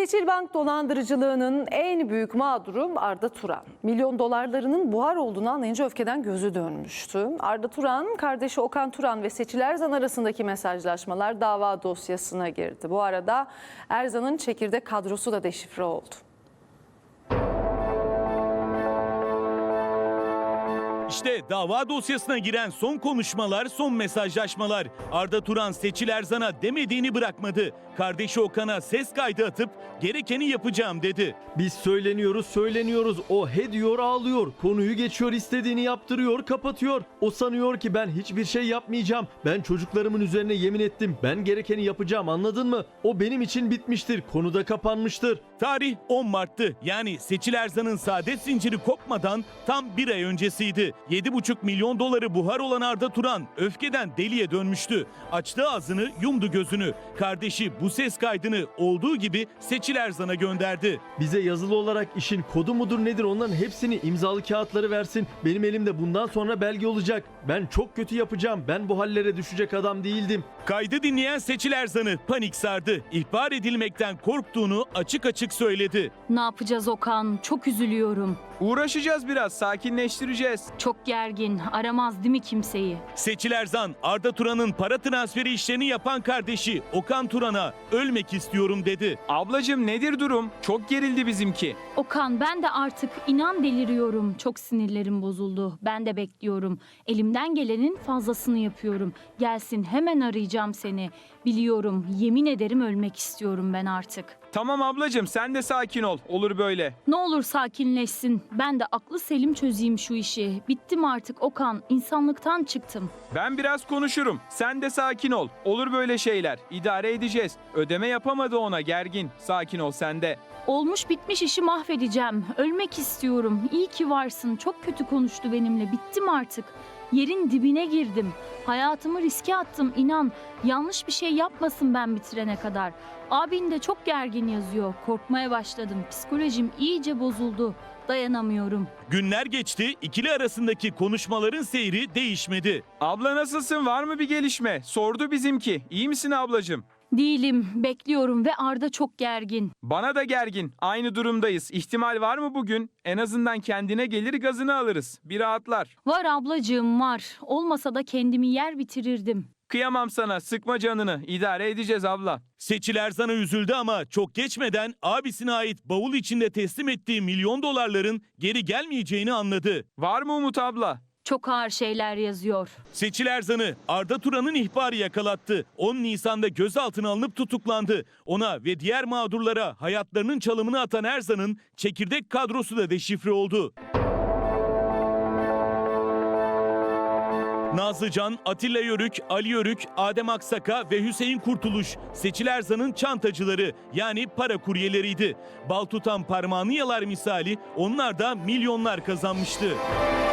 Seçilbank dolandırıcılığının en büyük mağduru Arda Turan. Milyon dolarlarının buhar olduğunu anlayınca öfkeden gözü dönmüştü. Arda Turan, kardeşi Okan Turan ve Seçil Erzan arasındaki mesajlaşmalar dava dosyasına girdi. Bu arada Erzan'ın çekirdek kadrosu da deşifre oldu. İşte dava dosyasına giren son konuşmalar, son mesajlaşmalar. Arda Turan Seçil Erzan'a demediğini bırakmadı. Kardeşi Okan'a ses kaydı atıp gerekeni yapacağım dedi. Biz söyleniyoruz. O he diyor, ağlıyor. Konuyu geçiyor, istediğini yaptırıyor, kapatıyor. O sanıyor ki ben hiçbir şey yapmayacağım. Ben çocuklarımın üzerine yemin ettim. Ben gerekeni yapacağım, anladın mı? O benim için bitmiştir. Konu da kapanmıştır. Tarih 10 Mart'tı. Yani Seçil Erzan'ın saadet zinciri kopmadan tam bir ay öncesiydi. 7,5 milyon doları buhar olan Arda Turan öfkeden deliye dönmüştü. Açtı ağzını, yumdu gözünü. Kardeşi bu ses kaydını olduğu gibi Seçil Erzan'a gönderdi. Bize yazılı olarak işin kodu mudur nedir, onların hepsini, imzalı kağıtları versin. Benim elimde bundan sonra belge olacak. Ben çok kötü yapacağım. Ben bu hallere düşecek adam değildim. Kaydı dinleyen Seçil Erzan'ı panik sardı. İhbar edilmekten korktuğunu açık açık söyledi. Ne yapacağız Okan? Çok üzülüyorum. Uğraşacağız biraz, sakinleştireceğiz. Çok gergin. Aramaz değil mi kimseyi? Seçil Erzan, Arda Turan'ın para transferi işlerini yapan kardeşi Okan Turan'a ölmek istiyorum dedi. Ablacığım nedir durum? Çok gerildi bizimki. Okan, ben de artık inan deliriyorum. Çok sinirlerim bozuldu. Ben de bekliyorum. Elimden gelenin fazlasını yapıyorum. Gelsin, hemen arayacağım seni. Biliyorum, yemin ederim ölmek istiyorum ben artık. Tamam ablacığım, sen de sakin ol. Olur böyle. Ne olur sakinleşsin. Ben de aklı selim çözeyim şu işi. Bittim artık Okan. İnsanlıktan çıktım. Ben biraz konuşurum. Sen de sakin ol. Olur böyle şeyler. İdare edeceğiz. Ödeme yapamadı ona, gergin. Sakin ol sen de. Olmuş bitmiş işi mahvedeceğim. Ölmek istiyorum. İyi ki varsın. Çok kötü konuştu benimle. Bittim artık. Yerin dibine girdim. Hayatımı riske attım, inan. Yanlış bir şey yapmasın ben bitirene kadar. Abin de çok gergin yazıyor. Korkmaya başladım. Psikolojim iyice bozuldu. Dayanamıyorum. Günler geçti, ikili arasındaki konuşmaların seyri değişmedi. Abla nasılsın? Var mı bir gelişme? Sordu bizimki. İyi misin ablacığım? Değilim, bekliyorum ve Arda çok gergin. Bana da gergin. Aynı durumdayız. İhtimal var mı bugün? En azından kendine gelir, gazını alırız. Bir rahatlar. Var ablacığım, var. Olmasa da kendimi yer bitirirdim. Kıyamam sana. Sıkma canını. İdare edeceğiz abla. Seçil Erzan'a üzüldü ama çok geçmeden abisine ait bavul içinde teslim ettiği milyon dolarların geri gelmeyeceğini anladı. Var mı Umut abla? Çok ağır şeyler yazıyor. Seçil Erzan'ı Arda Turan'ın ihbarı yakalattı. 10 Nisan'da gözaltına alınıp tutuklandı. Ona ve diğer mağdurlara hayatlarının çalımını atan Erzan'ın çekirdek kadrosu da deşifre oldu. Nazlıcan, Atilla Yörük, Ali Yörük, Adem Aksaka ve Hüseyin Kurtuluş Seçil Erzan'ın çantacıları yani para kuryeleriydi. Bal tutan parmağını yalar misali onlar da milyonlar kazanmıştı.